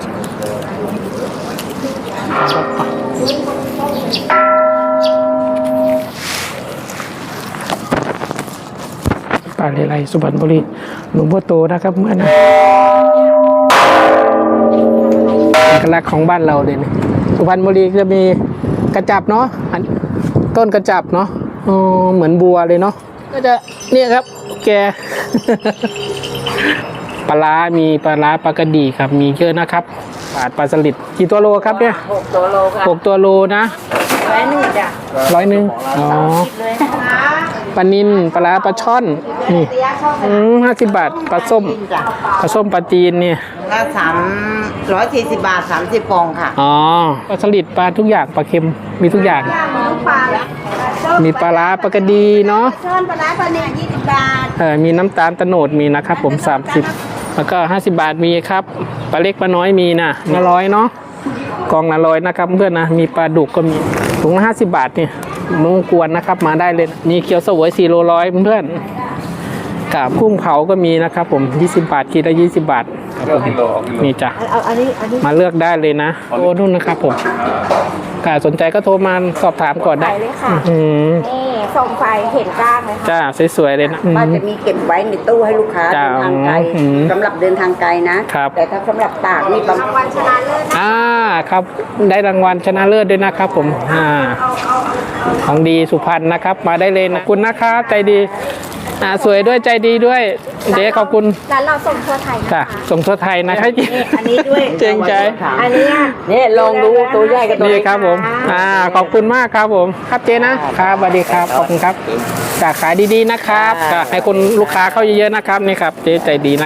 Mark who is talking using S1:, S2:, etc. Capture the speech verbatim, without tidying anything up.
S1: ป่าเลไลสุพรรณบุรีหลวงพ่อโตนะครับเมื่อนะเอกลักษณ์ของบ้านเราเลยนะสุพรรณบุรีจะมีกระจับเนาะต้นกระจับเนาะอ๋อเหมือนบัวเลยเนาะก็จะเนี่ยครับแก ปลาร้ามีปลาร้าปลากระดีครับมีเยอะนะครับปลาปลาสลิดกี่ตัวโลครับเนี่ย
S2: หกตัวโลค่ะ
S1: หกตัวโลนะ
S2: ร้อยหนึ่งจ้ะ
S1: ร้อยหนึ่งอ๋อปลานิลปลาร้าปลาช่อนนี่อืมห้าสิบบาทปลาส้มปลาส้มปลาจีนเนี่ย
S2: ก็สามร้อยสี่สิบบาทสามสิบฟองค่ะ
S1: อ๋อปลาสลิดปลาทุกอย่างปลาเค็มมีทุกอย่างมีปลาร้าปลากระดีเนาะ
S2: ช่อนปลาร้าปลาเนี่ยยี่สิบบาท
S1: เออมีน้ำตาลตะโนดมีนะครับผมสามสิบแล้วก็ห้าสิบบาทมีครับปลาเล็กปลาน้อยมีนะละร้อยเนาะกองละร้อยนะครับเพื่อนนะมีปลาดุกก็มีถุงละห้าสิบบาทเนี่ยมุ้งกวนนะครับมาได้เลยมีเกี๊ยวเสวยสี่โลร้อยเพื่อนกับกุ้งเผาก็มีนะครับผมยี่สิบบาทกิโลละยี่สิบบาทครับผมนี่จ้ะมาเลือกได้เลยนะโอ้นู่นนะครับผมถ้าสนใจก็โทรมาสอบถามก่อนได้
S3: เลยค่ะนี่ส่งไฟเห็นกล้างไหมคะ
S1: จ้าสวยๆเลยนะ
S2: ป้าจะมีเก็บไว้ในตู้ให้ลูกค้าเดินทางไกลสำหรับเดินทางไกลนะแต่ถ้าสำหรับตากนี่
S3: รางวัลชนะเลิศ
S1: อ่าครับได้รางวัลชนะเลิศด้วยนะครับผมอ่าของดีสุพรรณนะครับมาได้เลยนะขอบคุณนะครับใจดีอ่าสวยด้วยใจดีด้วยเดี๋ยวขอบคุณ
S3: ร้านเราส่งทั่วไทย
S1: ค่ะส่งทั่วไทยนะครับ
S2: อันนี้ด้วย
S1: เจ๋งใจ
S3: อันนี้
S2: นี่ลองดูตัวใหญ่กับตัว
S1: นี้ครับผมอ่าขอบคุณมากครับผมครับเจ๊นะครับสวัสดีครับขอบคุณครับจากขายดีๆนะครับให้คนลูกค้าเข้าเยอะๆนะครับนี่ครับเจ๊ใจดีนะ